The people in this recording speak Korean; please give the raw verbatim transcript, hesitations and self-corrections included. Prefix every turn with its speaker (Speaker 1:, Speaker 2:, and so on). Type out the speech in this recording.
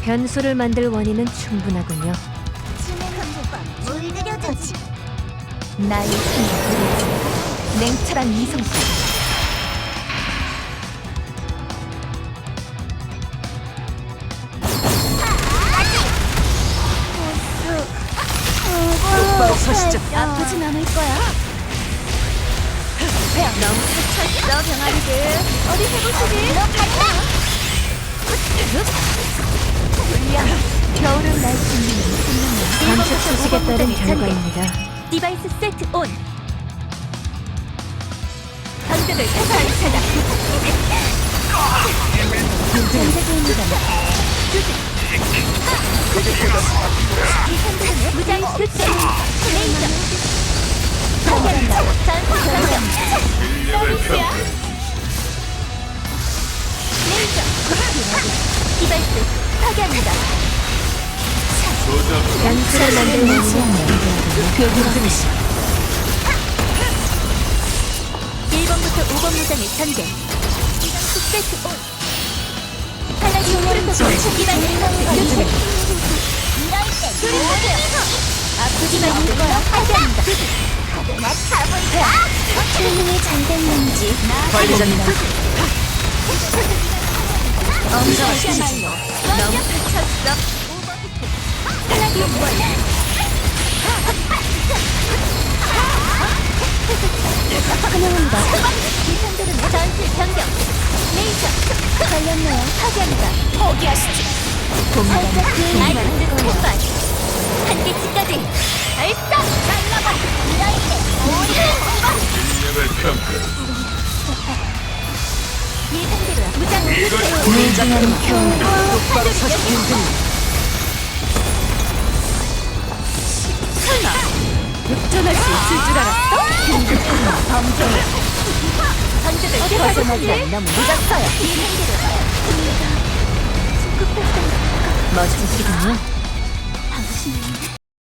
Speaker 1: 변수를 만들 원인은 충분하군요.
Speaker 2: 물들여주지.
Speaker 1: 나의 힘을 냉철한 이성과
Speaker 2: 똑바로
Speaker 1: 서시죠.
Speaker 2: 아프진 않을 거야.
Speaker 1: 너무 스쳤어 병아리들. 어디 해보시지?
Speaker 2: 너 간다.
Speaker 1: 불량 겨울은 날 숨기는 생명력. 관측 수식에 따른 결과입니다.
Speaker 2: 디바이스 세트 온.
Speaker 1: 방벽을 타사한 차다.
Speaker 2: 전세계입니다. 무장 교체. 레이저. 파괴한다. 전투 전력. 서비스야. 레이저. 디바이스 파괴합니다.
Speaker 1: 변수를 만들 원인은 교육중이시.
Speaker 2: 일 번부터 오 번 무장의 전개. 세트 온. 탈락이 프로토콜 디바이스 교체. 아프지 말고 거야. 파괴한다. 나 가볼까? 트레이닝이 잘 됐는지.
Speaker 1: 관리자님.
Speaker 2: 엄청나시죠.
Speaker 1: 너무 스쳤어.
Speaker 2: 탈락이 원. 환영합니다. 기상들은 전술 변경. 레이저. 걸렸네요. 파괴합니다. 포기하시지. 살짝 그 아이스 폭발. 한계치까지. 발사. 날라가. 이라이트.
Speaker 3: 능력을 평가.
Speaker 2: 예상대로야. 무장
Speaker 1: 무장한 겨울.
Speaker 2: 똑바로 서시 힘든. 설마 역전할 수 있을 줄 알았어? 범죄. 전적을 벗어나지 않나 늦었어요. 예상대로.
Speaker 1: 멋지시군요.
Speaker 2: 당신은